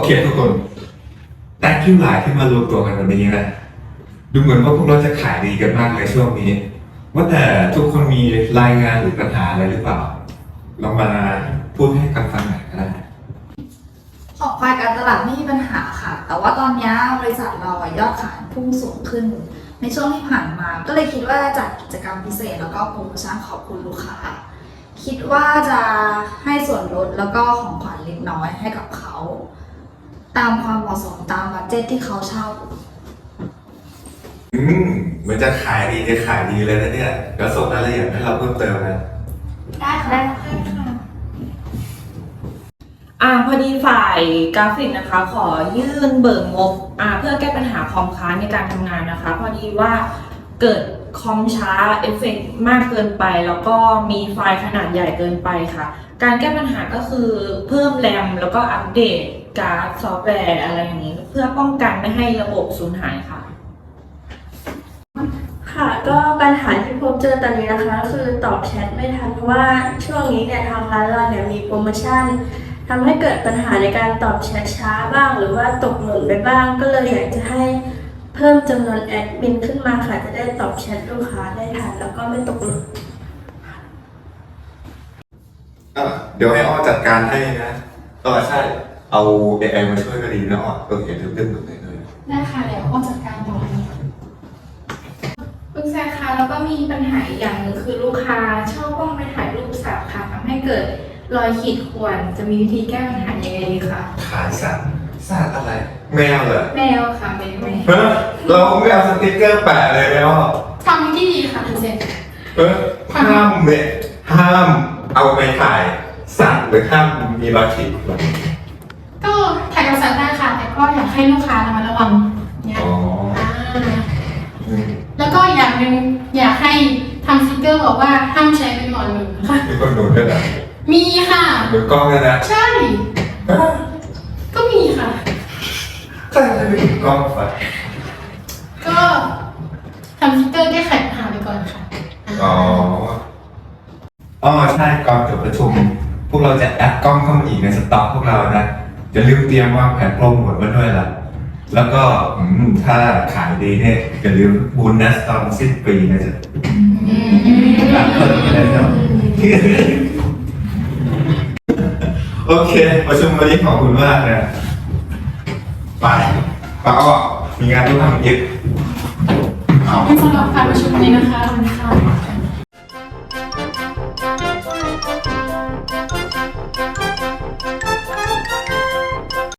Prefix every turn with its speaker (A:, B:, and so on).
A: เคทุกคนแต่คิวหลายที่มารวมตัวกันวันนี้นะดูเหมือนว่าพวกเราจะขายดีกันมากเลยช่วงนี้ว่าแต่ทุกคนมีรายงานหรือปัญหาอะไรหรือเปล่าลองมาพูดให้กันฟังหน่อยก็ได้
B: ของฝ่ายการตลาดไม่มีปัญหาค่ะ แต่ว่าตอนนี้บริษัทเรายอดขายพุ่งสูงขึ้นในช่วงที่ผ่านมา ก็เลยคิดว่าจัดกิจกรรมพิเศษแล้วก็โปรโมชั่นขอบคุณลูกค้าคิดว่าจะให้ส่วนลดแล้วก็ของขวัญเล็กน้อยให้กับเขาตามความเหมาะสมตามบัดเจ็ตที่เขาเช่า
A: เหมือนจะขายดีจะขายดีเลยนะเนี่ยเดี๋ยวส่งรายละเอียดให้เราเพิ่มเติมนะ
B: ได้ค่ะ
C: พอดีฝ่ายกราฟิกนะคะขอยื่นเบิกงบเพื่อแก้ปัญหาคอมค้างในการทำงานนะคะพอดีว่าเกิดคอมช้าเอฟเฟกต์มากเกินไปแล้วก็มีไฟล์ขนาดใหญ่เกินไปค่ะการแก้ปัญหาก็คือเพิ่มแรมแล้วก็อัปเดตการ์ดซอฟต์แวร์อะไรอย่างนี้เพื่อป้องกันไม่ให้ระบบสูญหายค่ะ
D: ค่ะก็ปัญหาที่พบเจอตอนนี้นะคะก็คือตอบแชทไม่ทันเพราะว่าช่วงนี้เนี่ยทางร้านเราเนี่ยมีโปรโมชั่นทำให้เกิดปัญหาในการตอบแชทช้าบ้างหรือว่าตกหล่นไปบ้างก็เลยอยากจะให้เพิ่มจำนวนแอดมินขึ้นมาค่ะจะได้ตอบแชทลูกค้าได้ทันแล้วก็ไม่ตกหล่น
A: เดี๋ยวให้อ้อจัดการให้นะใช่เอา AI มาช่วยก็ดีนะอ้อเห็นเรื่องหมดเลย
E: ได้ค่ะเดี๋ยวอ้อจัดการต่อไปคุณแซคคะแล้วก็มีปัญหาอีกอย่างหนึ่งคือลูกค้าชอบกล้องไปถ่ายรูปสัตว์ค่ะทำให้เกิดรอยขีดข่วนจะมีวิธีแก้ปัญหายังไงดีคะ
A: ขายสัตว์อะไรแมวเหรอ
E: แมวค่ะแมว
A: เราไม่เอาสติ๊กเกอร์แปะเลยแล้ว
E: ทำที่ดีค่ะคุณเซน
A: ห้ามเนี่ยห้ามเอาไปถ่ายสัตว์หรือห้ามมีรอยขีดข่วน
E: ก็ถ่ายกับสัตว์ได้ค่ะแต่ก็อยากให้ลูกค้าระวังเนี่ยแล้วก็อย่างหนึ่งอยากให้ทำสติ๊กเกอร์บอกว่าห้ามใช้เป็นหมอนหนุนค่ะ
A: มีคนหนุนด้วยเหรอ
E: มีค่ะ
A: หนุนกล้องเลยนะ
E: ใช่ก็มีค่ะ
A: ก็จะเป็นหนุนกล้องไป
E: ก็ทำสติ๊กเกอร์แก้ไขปัญหาไปก่อนค่ะ
A: ใช่ก่อนจบประชุมพวกเราจะแอดกล้องเข้ามาอีกในสต็อกพวกเรานะจะลืมเตรียมวางแผนโปรโมทไว้ด้วยล่ะแล้วก็ถ้าขายดีเนี่ยอย่าลืมโบนัสตอนสิ้นปีนะจ๊ะหลังเปิดเลยเนาะโอเคประชุมวันนี้ขอบคุณมากนะไปป้าอ้อมีงานต้องทำอีก
E: ขอบคุณสำหรับการประชุมนี้นะคะ